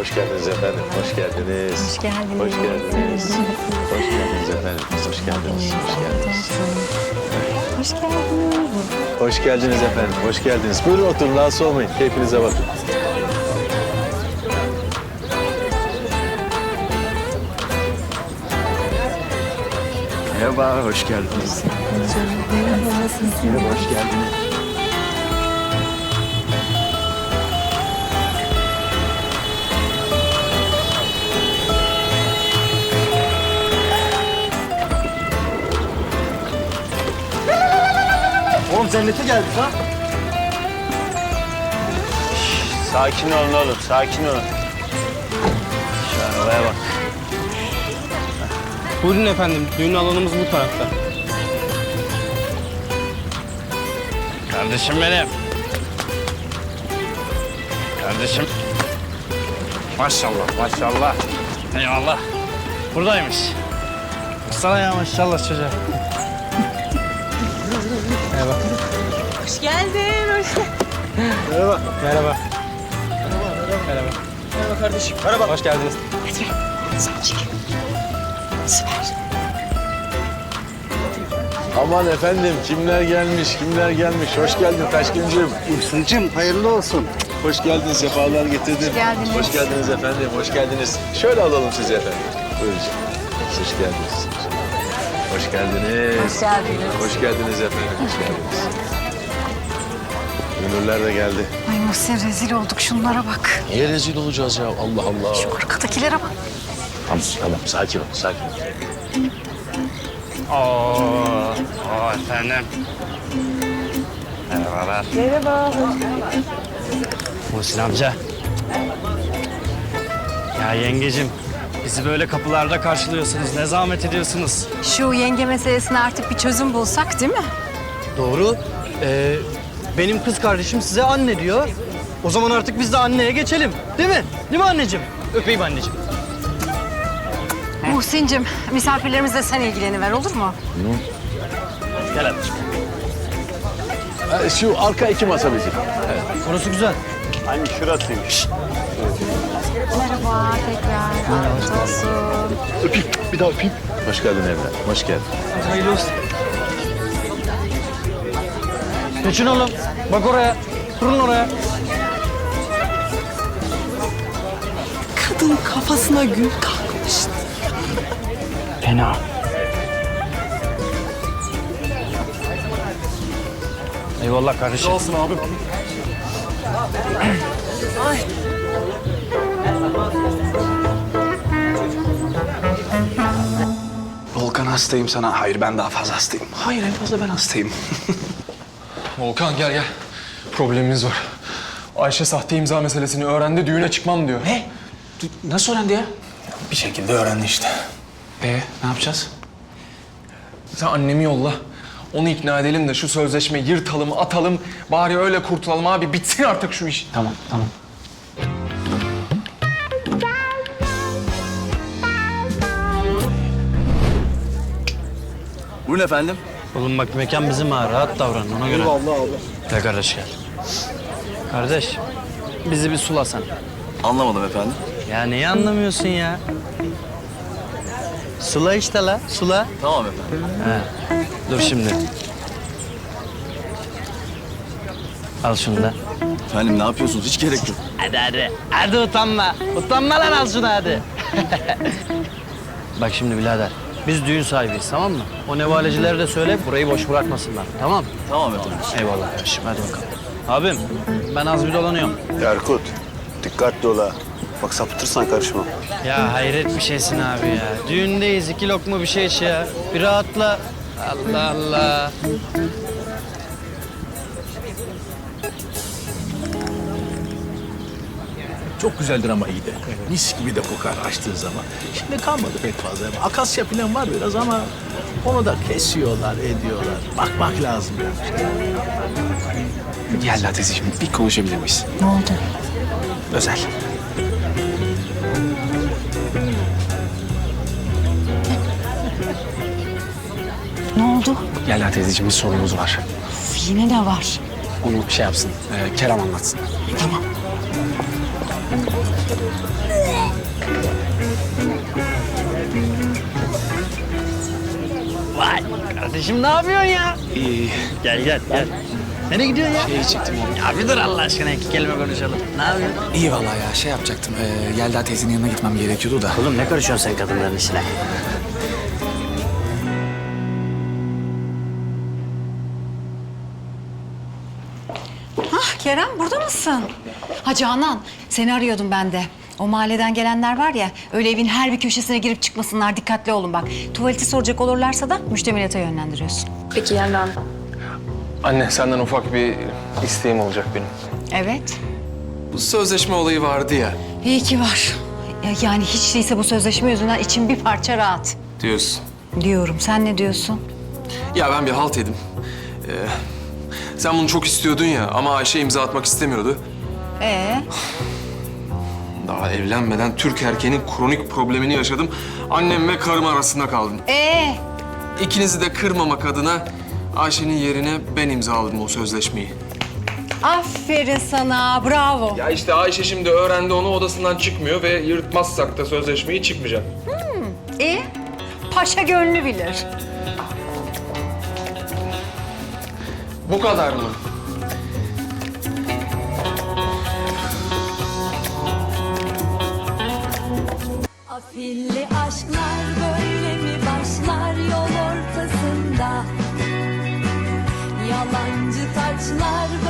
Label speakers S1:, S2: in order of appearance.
S1: Hoş geldiniz efendim. Hoş geldiniz.
S2: Hoş geldiniz.
S1: Hoş geldiniz. Hoş geldiniz efendim. Hoş geldiniz. Hoş geldiniz.
S2: Hoş geldiniz.
S1: Hoş geldiniz efendim. Hoş geldiniz. Buyurun oturun. Rahatsız olmayın. Keyfinize bakın. Merhaba, hoş geldiniz.
S2: Merhaba, nasılsın?
S1: Merhaba, hoş geldiniz.
S3: Oğlum cennete geldik ha.
S4: Sakin olun oğlum, sakin olun. Şu arabaya bak.
S3: Buyurun efendim, düğün alanımız bu tarafta.
S4: Kardeşim benim. Kardeşim. Maşallah, maşallah. Eyvallah. Buradaymış. Sana ya maşallah çocuğa.
S3: Merhaba.
S2: Hoş geldin. Hoş geldin.
S3: Merhaba. Merhaba. Merhaba. Merhaba kardeşim. Merhaba. Hoş geldiniz.
S2: Hadi gel. Sen çek. Süper.
S1: Aman efendim, kimler gelmiş, kimler gelmiş. Hoş geldin Taşkıncığım.
S5: Hüsnü'cüm hayırlı olsun.
S1: Hoş geldin, sefalar getirdin.
S2: Hoş geldiniz.
S1: Hoş geldiniz efendim, hoş geldiniz. Şöyle alalım sizi efendim. Buyurun. Hoş geldiniz. Hoş geldiniz.
S2: Hoş geldiniz.
S1: Hoş geldiniz efendim, hoş geldiniz. Gönüller de geldi.
S2: Ay Muhsin rezil olduk. Şunlara bak.
S1: Niye rezil olacağız ya? Allah Allah.
S2: Şu arkadakilere bak.
S1: Tamam, sakin ol, sakin ol.
S4: Oo efendim. Merhabalar.
S2: Merhaba.
S4: Muhsin amca. Ya yengecim, bizi böyle kapılarda karşılıyorsunuz. Ne zahmet ediyorsunuz.
S2: Şu yenge meselesine artık bir çözüm bulsak değil mi?
S3: Doğru. Benim kız kardeşim size anne diyor. O zaman artık biz de anneye geçelim. Değil mi? Değil mi anneciğim? Öpeyim anneciğim.
S2: Muhsin'cim misafirlerimizle sen ilgileniver olur mu?
S4: Gel anneciğim.
S1: Şu arka iki masa bizim.
S3: Orası güzel.
S4: Hani şurasıymış.
S2: Merhaba tekrar. Afiyet olsun.
S1: Öpeyim, bir daha öpeyim. Hoş geldin evlat, hoş geldin.
S3: Hayırlı olsun. Geçin oğlum. Bak oraya. Durun oraya.
S6: Kadın kafasına gül kalkmış.
S4: Fena. Eyvallah kardeşim.
S3: Olsun abim.
S5: Volkan hastayım sana. Hayır ben daha fazla hastayım. Hayır en fazla ben hastayım.
S7: Volkan gel. Problemimiz var. Ayşe sahte imza meselesini öğrendi, düğüne çıkmam diyor.
S5: Ne? Nasıl öğrendi ya? Bir şekilde öğrendi işte. Ne yapacağız?
S7: Sen annemi yolla. Onu ikna edelim de şu sözleşmeyi yırtalım, atalım. Bari öyle kurtulalım abi. Bitsin artık şu iş.
S5: Tamam.
S3: Buyurun efendim.
S4: Oğlum bak mekan bizim ha. Rahat davran ona göre.
S3: Vallahi abi.
S4: Gel kardeş gel. Kardeş bizi bir sula sen.
S3: Anlamadım efendim.
S4: Ya neyi anlamıyorsun ya? Sula işte la. Sula.
S3: Tamam efendim.
S4: He. Dur şimdi. Al şunu da.
S3: Efendim ne yapıyorsunuz? Hiç gerek yok.
S4: Hadi hadi. Hadi utanma. Utanma lan al şunu hadi. Bak şimdi birader. Biz düğün sahibiyiz tamam mı? O nevalecileri de söyle burayı boş bırakmasınlar. Tamam mı?
S3: Tamam efendim.
S4: Eyvallah kardeşim hadi bakalım. Abim ben az bir dolanıyorum.
S5: Erkut dikkatli ol ha. Bak sapıtırsan karışma.
S4: Ya hayret bir şeysin abi ya. Düğündeyiz 2 lokma bir şey iç ya. Bir rahatla. Allah Allah.
S8: Çok güzeldir ama iyi de. Mis gibi de kokar açtığı zaman. Şimdi kalmadı pek fazla. Akasya falan var biraz ama onu da kesiyorlar, ediyorlar. Bakmak lazım yani.
S5: Gel teyzeciğim bir konuşabilir miyiz?
S2: Ne oldu?
S5: Özel.
S2: Ne oldu?
S5: Gel teyzeciğim bir sorunumuz var.
S2: Yine ne var?
S5: Onu şey yapsın. Kerem anlatsın.
S2: Tamam.
S4: Vay kardeşim ne yapıyorsun ya?
S5: İyi.
S4: Gel gel gel. Nereye gidiyorsun ya?
S5: İyi çektim oğlum.
S4: Ya bir dur Allah aşkına 2 kelime konuşalım. Ne yapıyorsun?
S5: İyi vallahi ya şey yapacaktım. Yelda teyzenin yanına gitmem gerekiyordu da.
S4: Oğlum ne karışıyorsun sen kadınların işine?
S2: Ah Kerem burada mısın? Ha Canan seni arıyordum ben de. O mahalleden gelenler var ya öyle evin her bir köşesine girip çıkmasınlar dikkatli olun bak. Tuvaleti soracak olurlarsa da müştemilata yönlendiriyorsun.
S9: Peki Yelda.
S7: Anne senden ufak bir isteğim olacak benim.
S2: Evet.
S7: Bu sözleşme olayı vardı ya
S2: İyi ki var. Yani hiç değilse bu sözleşme yüzünden içim bir parça rahat.
S7: diyorsun.
S2: Diyorum. Sen ne diyorsun?
S7: Ya ben bir halt yedim. Sen bunu çok istiyordun ya ama Ayşe imza atmak istemiyordu. Daha evlenmeden Türk erkeğinin kronik problemini yaşadım. Annem ve karım arasında kaldım. İkinizi de kırmamak adına Ayşe'nin yerine ben imzaladım o sözleşmeyi.
S2: Aferin sana. Bravo.
S7: Ya işte Ayşe şimdi öğrendi onu odasından çıkmıyor ve yırtmazsak da sözleşmeyi çıkmayacak.
S2: Paşa gönlü bilir.
S7: Bu kadar mı?
S10: Afilli aşklar böyle mi başlar yol ortasında? Yalancı taçlar